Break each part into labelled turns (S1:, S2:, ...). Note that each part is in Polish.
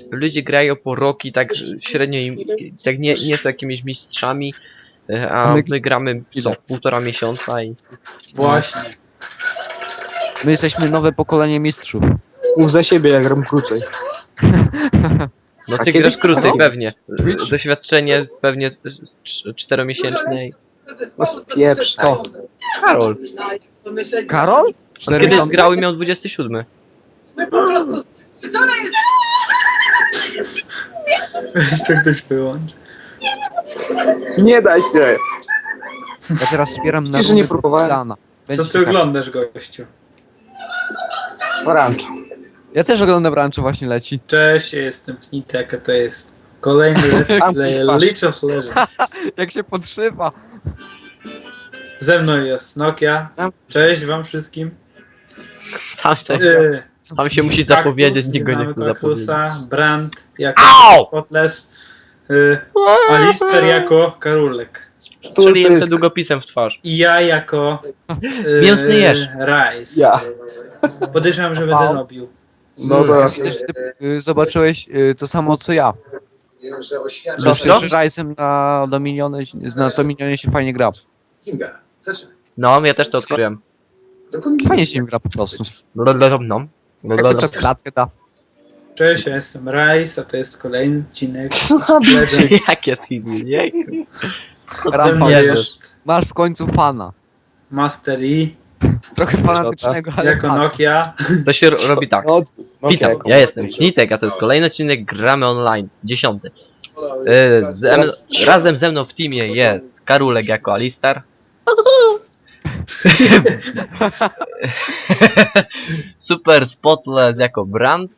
S1: ludzie grają po rok i tak średnio im, tak nie są jakimiś mistrzami, a my gramy co, 1,5 miesiąca i...
S2: Właśnie.
S3: My jesteśmy nowe pokolenie mistrzów.
S4: Mów za siebie, jak gram krócej.
S1: No
S4: A
S1: ty
S4: kiedy-
S1: grasz krócej,
S4: Aha.
S1: pewnie. Doświadczenie pewnie 4-miesięczne i...
S4: No spieprz, co?
S1: Karol,
S3: Karol? 4
S1: kiedyś
S3: miesiące?
S1: grał i miał 27.
S2: Weź to ktoś wyłącz.
S4: Nie daj się!
S3: Ja teraz wspieram na
S4: Przecież nie próbowałem.
S2: Co ty oglądasz, gościu?
S4: Orange.
S3: Ja też oglądam Rancho, właśnie leci.
S2: Cześć, ja jestem Nitek, a to jest kolejny let's play League of Legends.
S3: Jak się podszywa.
S2: Ze mną jest Nokia. Cześć wam wszystkim.
S1: Sam się musi zapowiedzieć, nikt go nie chce zapowiedzieć.
S2: Kaktusa, Brand jako
S1: Au!
S2: Spotless, Alister jako Karulek.
S1: Strzeliłem sobie długopisem w twarz.
S2: I ja jako
S1: Mięsny jeż.
S2: Rice.
S4: Ja.
S2: Podejrzewam, że będę robił.
S4: No to...
S3: Widzę, że ty zobaczyłeś to samo co ja.
S1: Co?
S3: Że Rice'em na Dominionie się fajnie gra.
S1: No, ja też to odkryłem.
S3: Fajnie się im gra po prostu.
S1: No.
S3: Jakby co klatkę da.
S2: Cześć, ja jestem Rice, a to jest kolejny odcinek League of Legends.
S1: Jakie schizmy, nie?
S2: Ze mną
S3: Jezus.
S2: jest
S3: Masz w końcu fana.
S2: Master E
S3: Trochę fanatycznego, ale
S2: jako
S3: fana.
S2: Nokia.
S1: To się robi tak.
S4: No,
S1: Witam,
S4: okej.
S1: ja jestem Nitek, a to jest kolejny odcinek Gramy Online, 10. Razem ze mną w teamie jest Karulek jako Alistar. Super Spotless jako Brand.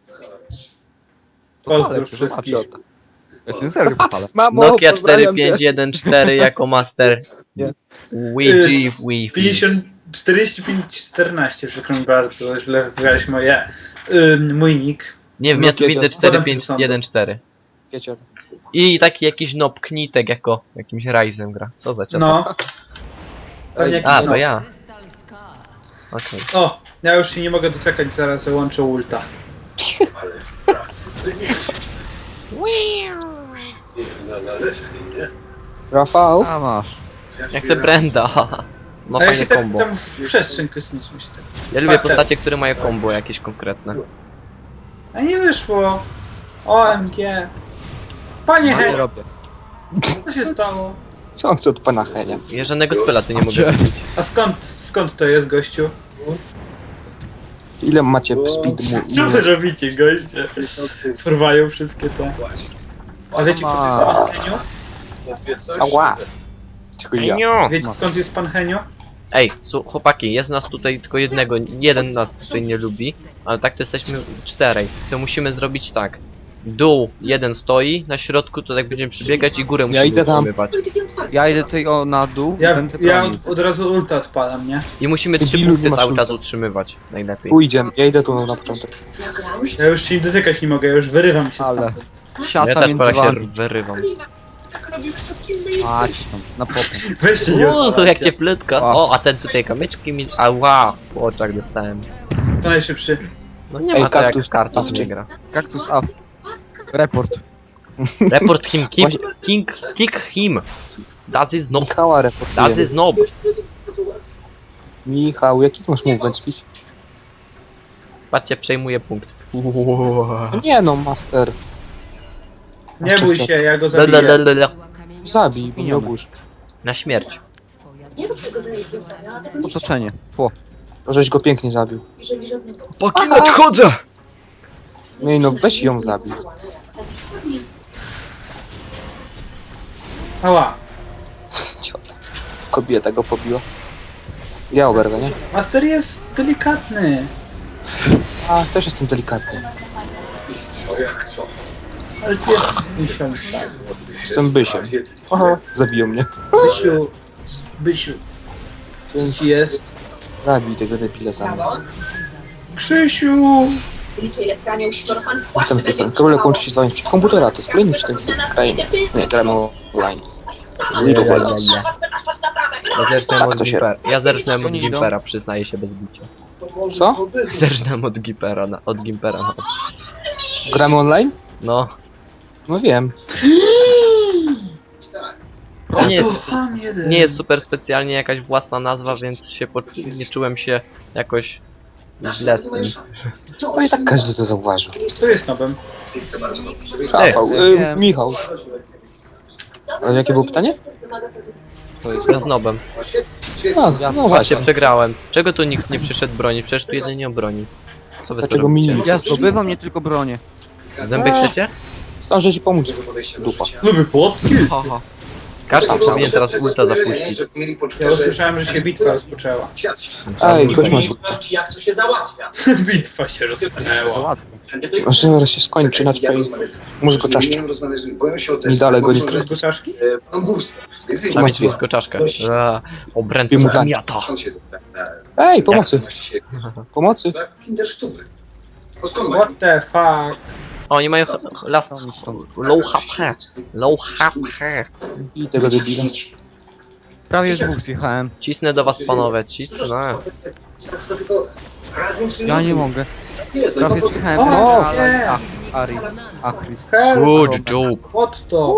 S2: Pozdrów wszystkich.
S3: Ja się serio pochwalę.
S4: Mamo,
S1: Nokia
S4: pozdrawiam cię.
S1: 4514 jako Master.
S4: Nie.
S1: Wi-Fi, Wi-Fi.
S2: 50, 45-14, przykro mi bardzo, źle wybrałeś mój nick.
S1: Nie wiem, ja tu
S4: Nokia,
S1: widzę
S2: podam ci sądu.
S1: 4514.
S4: Wiecie o tym.
S1: I taki jakiś nob Knitek jako jakimś Ryzem gra. Co za ciasto?
S2: No. Pewnie jakiś
S1: A, to
S2: nob.
S1: ja. Okej.
S2: O, ja już się nie mogę doczekać, zaraz załączę ulta.
S4: Rafał?
S3: A masz.
S1: Ja chcę Brenda. No
S2: A ja
S1: fajne
S2: się tak
S1: combo.
S2: tam w przestrzeń kosmiczną się tak.
S1: Ja lubię
S2: Patrz,
S1: postacie, które mają combo jakieś konkretne.
S2: A nie wyszło. OMG. Panie
S1: No nie
S2: Henio,
S1: robię.
S2: co się stało?
S4: Co on chce od pana Henia?
S1: Ja żadnego spela tu nie mogę wrzucić.
S2: A skąd to jest, gościu?
S4: Ile macie speed
S2: Co wy robicie, goście? Porwają wszystkie te... A wiecie, kto to jest pan Henio?
S4: Ała! Tylko ja.
S1: Enio!
S2: Wiecie, skąd jest pan Henio?
S1: Ej, chłopaki, jest nas tutaj tylko jednego, jeden nas tutaj nie lubi, ale tak to jesteśmy 4. To musimy zrobić tak. Dół jeden stoi, na środku to tak będziemy przebiegać i górę musimy
S4: idę tam.
S1: utrzymywać.
S3: Ja idę tutaj na dół.
S2: Ja
S3: będę bronił.
S2: od razu ulta odpalam, nie?
S1: I musimy 3
S4: Debilu,
S1: punkty
S4: nie masz
S1: cały
S4: ulta.
S1: czas utrzymywać, najlepiej.
S4: Pójdzie, ja idę tu na początek.
S2: Ja już się dotykać nie mogę, ja już wyrywam się
S3: Ale.
S2: stamtąd.
S3: Siata
S1: Ja też
S3: między
S1: pora się
S3: wami.
S1: wyrywam.
S3: Mać tam, na popę.
S2: Weźcie nie
S1: O, to jak
S2: odpalajcie.
S1: cieplutko. O, a ten tutaj kamyczki mi... Ała, po oczach dostałem.
S2: To najszybszy.
S1: No nie
S4: Ej,
S1: ma to jak
S4: kaktus,
S1: kartus
S4: kaktus.
S1: nie gra.
S3: Kaktus up. Report.
S1: Report him, kick him. Das is nob,
S4: Michała
S1: das
S4: reportuje.
S1: is nob.
S4: Michał, jaki ty masz movement speed?
S1: Patrzcie, przejmuje punkt.
S4: No nie no, master.
S2: Nie bój się, ja go zabiję.
S1: Lalalala.
S4: Zabij, bo nie obóz.
S1: Na śmierć.
S3: Otoczenie. Tło.
S4: Żeś go pięknie zabił.
S1: Poki nadchodzę!
S4: No i no, weź ją zabił.
S2: Ała.
S4: Ciot. Kobieta go pobiła. Ja oberwę, nie?
S2: Master jest delikatny.
S4: A, też jestem delikatny.
S2: Ale ty jest misią stary.
S4: Jestem bysiem. Aha, zabiją mnie.
S2: Bysiu. Co ci jest?
S4: Zabij tego debila za mną.
S2: Krzysiu!
S4: Witam z tej strony. Karolek łączy się z wami przed komputera. To jest kolejny odcinek z krain. Nie, gramy online. League of Legends. Tak to się
S1: Ja zerżnąłem od Gimpera, przyznaję się bez bicia.
S4: Co?
S1: Zerżnąłem od Gimpera, od Gimpera.
S4: Gramy online?
S1: No.
S4: No wiem.
S1: To nie jest,
S2: Ham jeden.
S1: nie jest super specjalnie jakaś własna nazwa, więc się nie czułem się jakoś źle z tym.
S4: No i tak każdy to zauważył.
S2: To jest nobem.
S4: Rafał,
S3: wiem.
S4: Michał. Ale jakie było pytanie?
S3: To jest
S1: To z nobem.
S4: No
S1: Właśnie
S4: właśnie.
S1: przegrałem. Czego tu nikt nie przyszedł broni? Przecież tu jedynie o broni. Co wy sobie
S4: Dlaczego mi
S1: robicie?
S4: nie?
S3: Ja zdobywam nie tylko bronię.
S1: Zęby chcecie?
S4: Zdążę ci pomóc. Dupa.
S2: Lubię płotki.
S3: Haha.
S1: Każdy powinien teraz ulta zapuścić.
S2: Ja usłyszałem, że się bitwa rozpoczęła.
S4: Ej, ktoś masz.
S5: Jak to się załatwia?
S2: Bitwa się rozpoczęła.
S3: Załatwię.
S4: Może zaraz się skończy na twojej mózgu czaszki. Nie dalej go nie
S2: Z go czaszki?
S1: Zabić tylko czaszkę. Obręcz
S4: Wiem, tak.
S1: zamiata.
S4: Ej, pomocy. Pomocy.
S2: What the fuck?
S1: O, oni mają last low HP. Low HP.
S4: I tego debila.
S3: Prawie dwóch zjechałem.
S1: Cisnę do was panowie, cisnę.
S3: Ja nie mogę. Prawie zjechałem.
S2: O,
S3: ale...
S2: nie.
S3: Ari. Achry.
S2: Help!
S1: Good job.
S2: What to?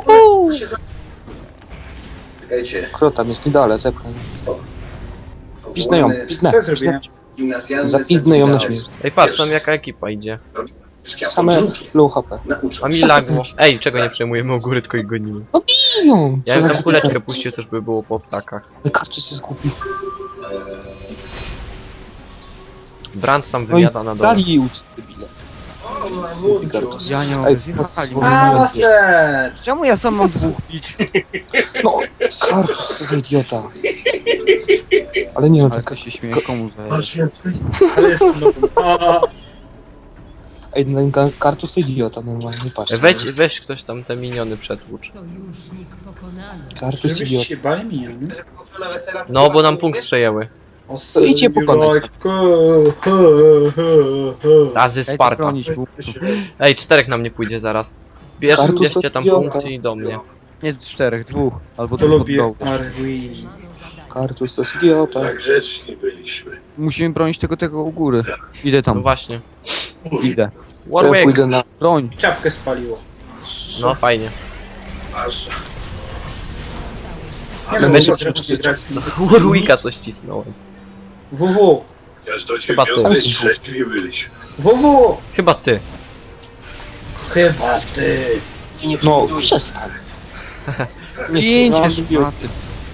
S4: Kto tam jest? Nie dalej, zepchnę. Piznę ją, piznę.
S2: Co zrobiłem?
S4: Zapiznę ją na śmierć.
S1: Ej, patrz, tam jaka ekipa idzie.
S4: Same low HP.
S1: A mi lagło. Ej, czego nie przejmujemy u góry, tylko ich gonimy.
S4: Piją!
S1: Ja bym tam kuleczkę puścił, też by było po ptakach.
S4: Kartus jest głupi.
S1: Brand tam
S4: No i
S1: wymiata na dole.
S4: dali uć, debile. Kartus.
S3: Ja nie mogę.
S4: Ej,
S3: Zjechali.
S2: A, master!
S3: Czemu ja sam mam dwóch bić?
S4: No, Kartus to za idiota. Ale nie, no
S3: Ale
S4: tak.
S3: to się śmieje, komu zajesz?
S2: Ale jestem nobem. A,
S4: Ej, no, Kartus to idiota, normalnie, patrz.
S1: Weź ktoś tam te miniony przetłucz.
S6: Sojusznik pokonany.
S4: Kartus
S2: żebyście
S4: idiota.
S2: się bali miniony?
S1: No, bo nam punkt przejęły.
S2: O,
S4: To idźcie pokonać.
S1: Razy
S3: Daj to
S1: Sparta.
S3: bronić, bo...
S1: Ej, czterech nam nie pójdzie zaraz.
S4: Kartus
S1: Bierzcie
S4: to
S1: tam
S4: idiota.
S1: punkt i do mnie.
S3: Nie czterech, dwóch. Albo
S2: To
S3: dwóch
S2: lubię
S3: od dołu.
S2: Arwin.
S4: Kartus to jest idiota.
S5: Tak grzeczni byliśmy.
S3: Musimy bronić tego u góry. Idę
S1: No
S3: tam,
S1: właśnie.
S3: idę.
S4: To ja
S1: Warwick!
S4: pójdę na...
S3: Broń.
S2: Czapkę spaliło.
S1: No fajnie.
S5: Aż
S2: Nie
S4: Ale
S2: wiem,
S4: będzie
S2: czy
S4: przecież-
S2: grać.
S1: Warwicka coś cisnąłem.
S2: WW!
S5: aż do
S1: Chyba ty.
S5: dziewiątej trzeźwi byliśmy.
S2: WW!
S1: Chyba ty.
S2: Chyba ty.
S4: No, przestań. Nie
S3: Pięć
S4: no,
S3: jeszcze maty.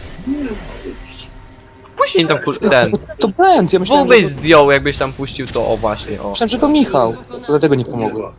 S1: Później tam ten.
S4: To Brand, ja myślałem,
S1: Byś
S4: że...
S1: zdjął, jakbyś tam puścił to, o właśnie, o.
S4: Myślałem, że to Michał. To dlatego nie pomogłem.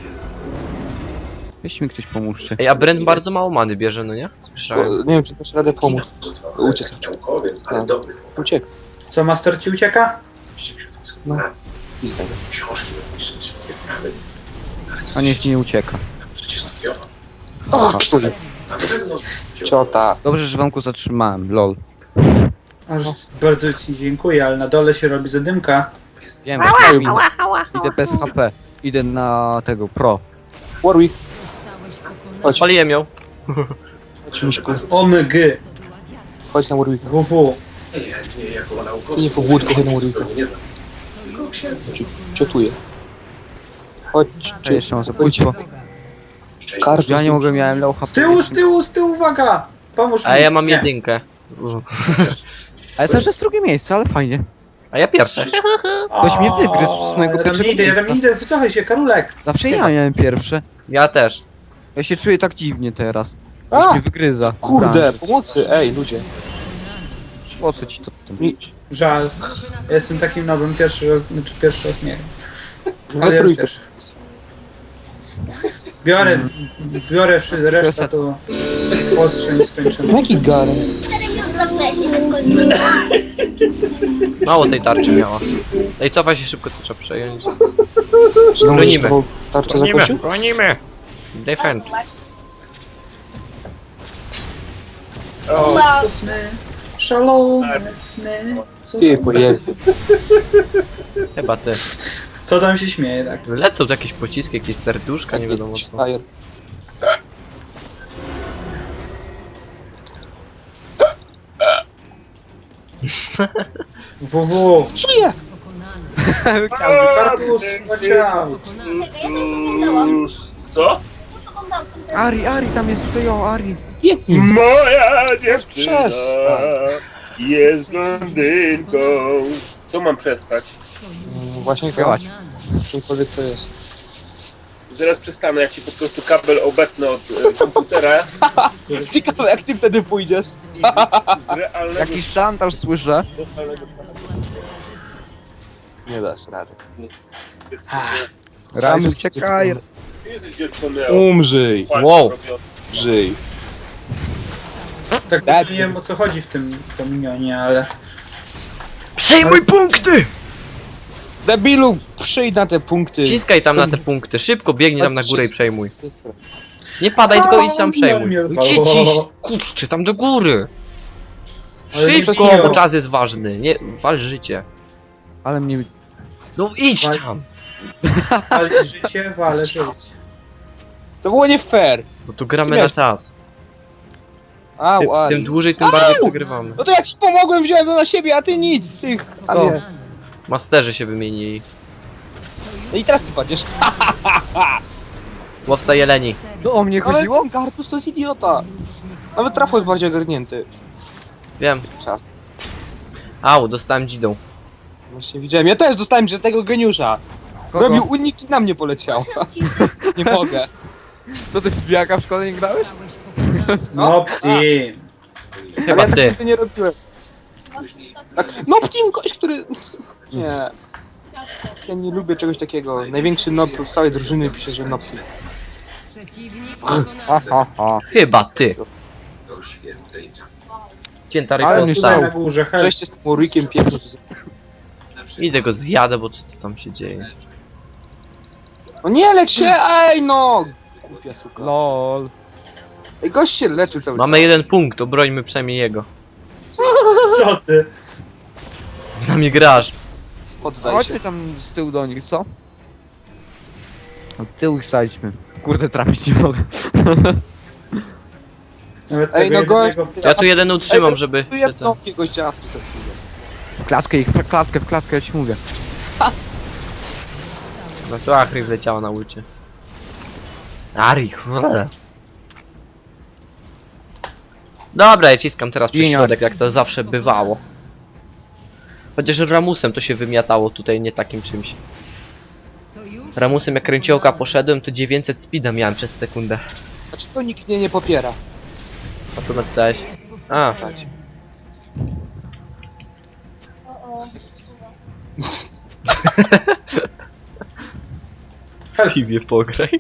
S3: Weź mi ktoś pomóżcie.
S1: Ej, a Brent bardzo mało many bierze, no nie? Słyszałem.
S4: Nie wiem, czy dasz radę pomóc. Uciec.
S5: Naukowiec, ale
S4: Tak.
S5: dobry.
S4: Uciekł.
S2: Co, master ci ucieka?
S4: No.
S5: Pracy.
S4: Pizdę.
S5: Książki napiszeć. Jest nawet.
S3: A niech nie ucieka.
S5: Przecież zapiona.
S4: O, krzuli.
S5: Na pewno.
S4: Ciota.
S3: Dobrze, że wam go zatrzymałem, lol.
S2: Aż bardzo ci dziękuję, ale na dole się robi zadymka.
S3: Wiem, idę bez HP. Idę na tego, pro.
S4: Warwick,
S6: Zostałeś pokonany.
S4: chodź.
S1: Paliłem ją.
S4: Chodź, Miszku.
S2: OMG!
S4: Chodź na Warwicka.
S2: WW!
S5: Nie, jako naukowiec.
S4: Ty nie po wódku, chodź na Warwicka.
S5: Nie znam. Tylko księdza.
S4: Ciotuję. Chodź.
S3: To jeszcze mam zabójstwo.
S4: Kartus.
S3: Ja nie mogę, miałem low HP.
S2: Z tyłu, uwaga! Pomóż
S1: A
S2: mi.
S1: ja mam
S2: Nie.
S1: jedynkę.
S3: Ale cały czas drugie miejsce, ale fajnie.
S1: A ja pierwsze.
S3: Ktoś mnie wygryzł z mojego
S2: Ja tam
S3: pierwszego
S2: nie idę, ja tam
S3: miejsca.
S2: nie idę, wycofaj się, Karulek!
S3: Zawsze ja miałem pierwsze.
S1: Ja też.
S3: Ja się czuję tak dziwnie teraz. Ktoś
S4: A!
S3: mnie wygryza.
S4: Kurde, pomocy, ej, ludzie.
S3: Po co ci to?
S4: Mi...
S2: Żal. Ja jestem takim nowym, pierwszy raz nie.
S4: Ale
S2: Ale ja
S4: trójkę.
S2: pierwszy. Biorę resztę, to ostrze nie skończymy.
S4: Jaki Garen?
S1: Mało tej tarczy miała. Ej, cofaj się szybko, to trzeba przejąć.
S4: Znowu
S1: Bronimy.
S4: znowu tarczę zakończył?
S1: bronimy! Defend.
S2: To sny, szalone sny. Co
S4: Ty
S2: tam-
S4: pojebie.
S1: Chyba ty.
S2: Co tam się śmieje, tak?
S1: Lecą tu jakieś pociski, jakieś serduszka, nie wiadomo co.
S4: Fajer.
S2: WW!
S4: Żyje!
S6: Pokonany.
S2: Kartus, watch out!
S6: Pokonany.
S7: Czekaj, ja to już oglądałam. Co?
S3: Ari, tam jest tutaj, o, Ari.
S4: Biedni.
S7: Moja dziewczyna
S4: Przestań.
S7: jest blondynką. Co mam przestać?
S4: Właśnie
S3: Działać.
S4: czymkolwiek to jest.
S7: Zaraz przestanę, jak ci po prostu kabel obetnę od komputera
S4: Ciekawe jak ty wtedy pójdziesz.
S7: i z realnego...
S3: Jakiś szantaż słyszę.
S4: Nie dasz rady.
S3: Raz uciekaj.
S7: Jesteś dziecko Neo.
S4: Umrzyj.
S1: Wow.
S4: Żyj.
S2: Tak
S4: Tak.
S2: nie wiem o co chodzi w tym Dominionie, ale...
S1: Przejmuj punkty!
S4: Debilu, przyjdź na te punkty.
S1: Ciskaj tam na te punkty, szybko biegnij tam na górę i przejmuj. Nie padaj, tylko idź tam przejmuj.
S2: mnie
S1: Gdzie
S2: rozwalało.
S1: ci? Kurczę, tam do góry.
S2: Ale nie
S1: Szybko,
S2: trafiłem.
S1: bo czas jest ważny. Nie, wal życie.
S3: Ale mnie...
S1: No idź
S2: Wal-
S1: tam.
S2: Ale życie, wale życie.
S4: To było nie fair.
S1: Bo tu gramy
S4: Ty
S1: na
S4: miałeś-
S1: czas.
S4: Au,
S1: Tym
S4: Ari.
S1: dłużej, tym bardziej przegrywamy.
S4: No to ja ci pomogłem, wziąłem to na siebie, a ty nic, ty. A
S3: To.
S4: nie.
S1: Masterzy się wymienili.
S4: No i teraz ty padniesz.
S1: Łowca jeleni.
S3: To o mnie
S4: Ale
S3: chodziło?
S4: ten Gartus to jest idiota. Nawet trafo jest bardziej ogarnięty.
S1: Wiem.
S4: Czas.
S1: Au, dostałem dzidą.
S4: Właśnie widziałem. Ja też dostałem przez tego geniusza. Robił unik i na mnie poleciał. Nie mogę.
S3: Co ty w zbijaka w szkole nie grałeś?
S2: No ty.
S1: Chyba
S4: Ale ja
S1: ty.
S4: tak nigdy nie robiłem. Tak, no team gość, który... Nie. Ja nie lubię czegoś takiego. Największy nob z całej drużyny pisze, że nob team.
S6: Przeciwnik
S3: Ha,
S6: pokonany.
S3: ha, ha.
S1: Chyba ty. Cięta
S3: Ale
S1: ryba
S3: nie
S1: dostał.
S2: Na górze, hej.
S4: Wreszcie z tym Ulrikiem piekło.
S1: Idę go zjadę, bo co to tam się dzieje?
S4: No nie lecz się, ej no! Głupia suka.
S3: Lol.
S4: Ej, gość się leczył cały
S1: Mamy jeden punkt, obrońmy przynajmniej jego.
S2: Co ty?
S1: Z nami grasz.
S4: czas. Poddaj
S3: Chodźmy
S4: się.
S3: tam z tyłu do nich, co? Od tyłu staliśmy. Kurde, trafić nie mogę.
S2: Nawet
S4: Ej,
S2: tego
S4: no gość...
S2: jednego-
S1: Ja tu jeden utrzymam, żeby
S4: Tu
S1: się
S4: jest
S1: ten...
S4: nopkie gościa w co chwilę.
S3: W klatkę, ja ci mówię.
S1: No to Achry wleciała na ulicie. Ari, cholera. Dobra, ja ciskam teraz przez
S3: Ginia.
S1: środek, jak to zawsze bywało. Chociaż Ramusem to się wymiatało tutaj, nie takim czymś.
S6: Sojusz
S1: Ramusem jak kręciołka poszedłem, to 900 speeda miałem przez sekundę.
S4: Dlaczego nikt mnie nie popiera?
S1: A co napisałeś? A, tak. Tiwie pograj.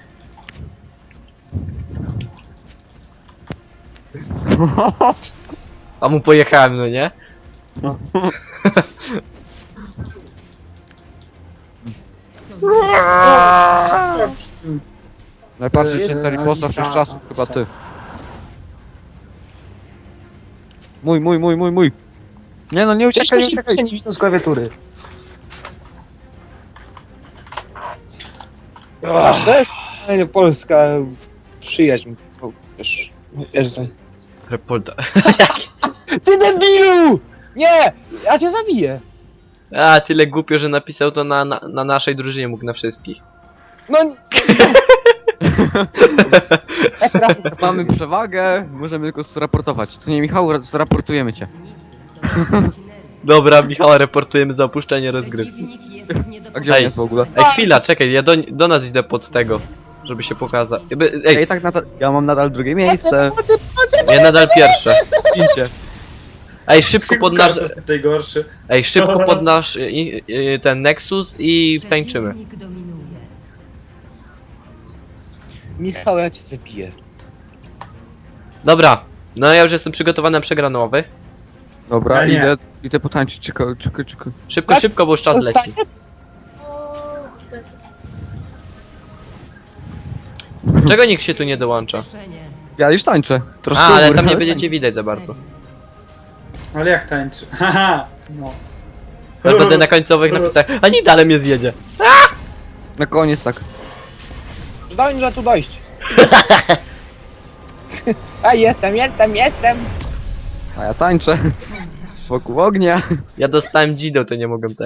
S1: A mu pojechałem, no nie?
S3: Najbardziej cięta riposta wszechczasów, chyba ty. Mój. Nie no, nie uciekaj, nie uciekaj.
S4: nie widzę z klawiatury. To jest fajna polska przyjaźń. O, wiesz, że...
S1: Repolta.
S4: Ty debilu! Nie! Ja cię zabiję!
S1: A, tyle głupio, że napisał to na naszej drużynie, mógł na wszystkich.
S4: No... Ja cię rapuję.
S3: Mamy przewagę, możemy tylko zraportować. Co nie, Michał, zraportujemy cię.
S1: Dobra, Michała, reportujemy za opuszczenie rozgrywki.
S6: przeciwnik jest nie do
S3: A gdzie on
S1: Ej.
S3: jest w ogóle?
S1: Ej, chwila, czekaj, ja do nas idę pod tego, żeby się pokazać. Ej,
S3: Ej, tak ja mam nadal drugie miejsce.
S1: ja nadal pierwsze.
S3: Idźcie.
S1: Ej, szybko pod nasz...
S2: Kartus jest najgorszy.
S1: Ej, szybko pod nasz ten Nexus i tańczymy.
S6: Przeciwnik dominuje.
S4: Michał, ja cię zabiję.
S1: Dobra, no ja już jestem przygotowany na przegranowy.
S3: Dobra,
S2: Ja nie.
S3: idę potańczyć, czekaj.
S1: Szybko, bo już czas leci. Czego nikt się tu nie dołącza?
S6: Zrzeszenie.
S3: Ja już tańczę. Troszkę
S1: A, ale
S3: góry,
S1: tam nie będziecie widać za bardzo.
S2: Ale jak tańczy? Haha, no.
S1: Ja będę na końcowych napisach, a nie dalej mnie zjedzie.
S3: Na koniec tak.
S4: Zdążę tu dojść. A jestem.
S3: A ja tańczę. Wokół ognia.
S1: Ja dostałem dzidę, to nie mogłem